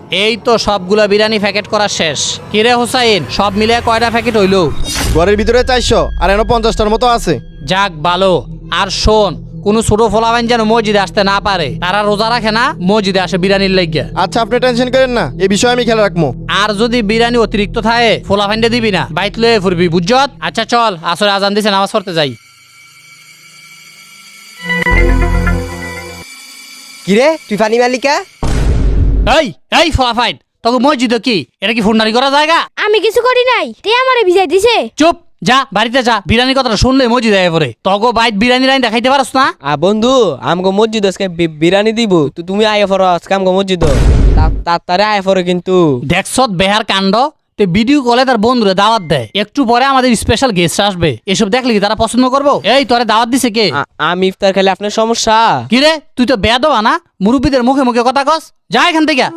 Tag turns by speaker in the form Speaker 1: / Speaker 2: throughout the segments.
Speaker 1: এই তো সবগুলা বিরিয়ানি প্যাকেট করা শেষ। কিরে হুসাইন, সব মিলে কয়টা প্যাকেট হইলো?
Speaker 2: ঘরের ভিতরে 400 আর এনে 50টার মতো আছে।
Speaker 1: যাক ভালো। আর শোন, কোন ছোট ফোলাবাইন যেন মসজিদে আসতে না পারে। তারা রোজা রাখে না, মসজিদে আসে বিরিয়ানির লাগিয়া।
Speaker 2: আচ্ছা, আপনি টেনশন করেন না, এই বিষয়ে আমি খেয়াল রাখবো।
Speaker 1: আর যদি বিরিয়ানি অতিরিক্ত থাকে ফোলাফাইন্ডে দিবি না, বাইত লয়ে ফুরবি, বুঝছত? আচ্ছা চল, আসরে আজান দিছে, নামাজ পড়তে যাই।
Speaker 3: কিরে তুই পানি মালিকা?
Speaker 1: এই এই ফোলাফাইন, তোকে মসজিদে কি এটা কি ফুন্ডারি করা জায়গা?
Speaker 4: আমি কিছু করি নাই, তে আমারে ভিজাই দিছে।
Speaker 1: চুপ, যা বাড়িতে যা। বিরিয়ানির কথাটা শুনলে মসজিদে আয় পরে। তগো বাইত বিরিয়ানি লাইন দেখাইতে পারস না?
Speaker 3: বন্ধু আমগো মসজিদ আজকে বিরিয়ানি দিব, তুমি আয় ফর আজকে আমগো মসজিদ তারে আয় ফর কিন্তু।
Speaker 1: দেখছত বেহার কাণ্ড। তে ভিডিও কলে তার বন্ধুরে দাওয়াত দেয়, একটু পরে আমাদের স্পেশাল গেস্ট আসবে। এসব দেখলে কি তারা পছন্দ করবো? এই তোরে দাওয়াত দিছে কে?
Speaker 3: আমি ইফতার খেলে আপনার সমস্যা?
Speaker 1: কিরে তুই তো বেয়াদবা না? মুরব্বীদের মুখে মুখে কথা কস, যা এখান থেকে।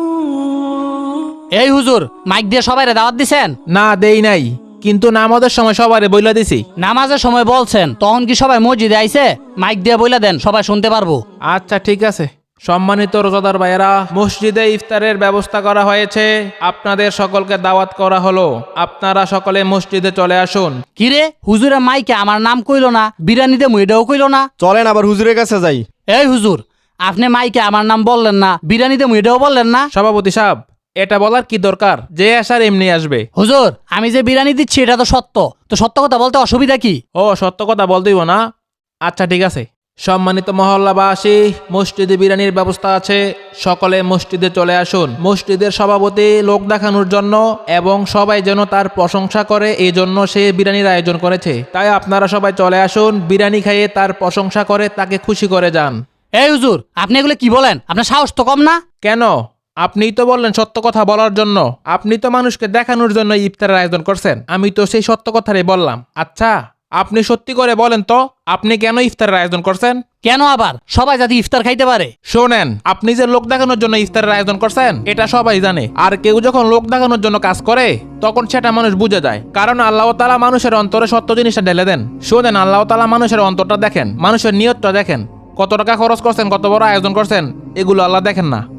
Speaker 1: এই হুজুর, মাইক দিয়ে সবাইরে দাওয়াত দিছেন?
Speaker 5: না দেই নাই, কিন্তু নামাজের সময় সবারে বইলা দিছি।
Speaker 1: নামাজের সময় বলছেন, তখন কি সবাই মসজিদে আইছে? মাইক দিয়ে বইলা দেন, সবাই শুনতে পারবো।
Speaker 5: আচ্ছা ঠিক আছে। সম্মানিত রোজাদার ভাইয়েরা, মসজিদে ইফতারের ব্যবস্থা করা হয়েছে, আপনাদের সকলকে দাওয়াত করা হলো। আপনারা সকলে মসজিদে চলে আসুন।
Speaker 1: কিরে হুজুরের মাইকে আমার নাম কইলো না, বিরিয়ানিতে মুইটাও কইলো না।
Speaker 2: চলেন আবার হুজুরের কাছে যাই।
Speaker 1: এই হুজুর, আপনি মাইকে আমার নাম বললেন না, বিরিয়ানিতে মুইটাও বললেন না।
Speaker 5: সভাপতি সাহেব, এটা বলার কি দরকার? যে আসার এমনি আসবে।
Speaker 1: হুজুর, আমি যে বিরিয়ানি দিচ্ছি এটা তো সত্য, তো সত্য কথা বলতে অসুবিধা কি?
Speaker 5: ও সত্য কথা বলতেইব না? আচ্ছা ঠিক আছে। সম্মানিত মহল্লাবাসী, মসজিদে বিরিয়ানির ব্যবস্থা আছে, সকলে মসজিদে চলে আসুন। মসজিদের সভাপতি লোক দেখানোর জন্য এবং সবাই যেন তার প্রশংসা করে, এই জন্য সে বিরিয়ানির আয়োজন করেছে। তাই আপনারা সবাই চলে আসুন, বিরিয়ানি খাইয়ে তার প্রশংসা করে তাকে খুশি করে যান।
Speaker 1: এই হুজুর, আপনি এগুলো কি বলেন? আপনার সাহস তো কম না?
Speaker 5: কেন? আপনিই তো বললেন সত্য কথা বলার জন্য। আপনি তো মানুষকে দেখানোর জন্য ইফতারের আয়োজন করছেন। আমি তো সেই সত্য কথাই বললাম। আচ্ছা আপনি সত্যি করে বলেন তো, আপনি কেন ইফতারের আয়োজন করছেন?
Speaker 1: কেন আবার? সবাই যাতে ইফতার খাইতে পারে।
Speaker 5: শোনেন, আপনি যে লোক দেখানোর জন্য ইফতারের আয়োজন করছেন এটা সবাই জানে। আর কেউ যখন লোক দেখানোর জন্য কাজ করে তখন সেটা মানুষ বুঝে যায়। কারণ আল্লাহ তাআলা মানুষের অন্তরে সত্য জিনিসটা ঢেলে দেন। শোনেন, আল্লাহ তাআলা মানুষের অন্তরটা দেখেন, মানুষের নিয়তটা দেখেন। কত টাকা খরচ করছেন, কত বড় আয়োজন করছেন, এগুলো আল্লাহ দেখেন না।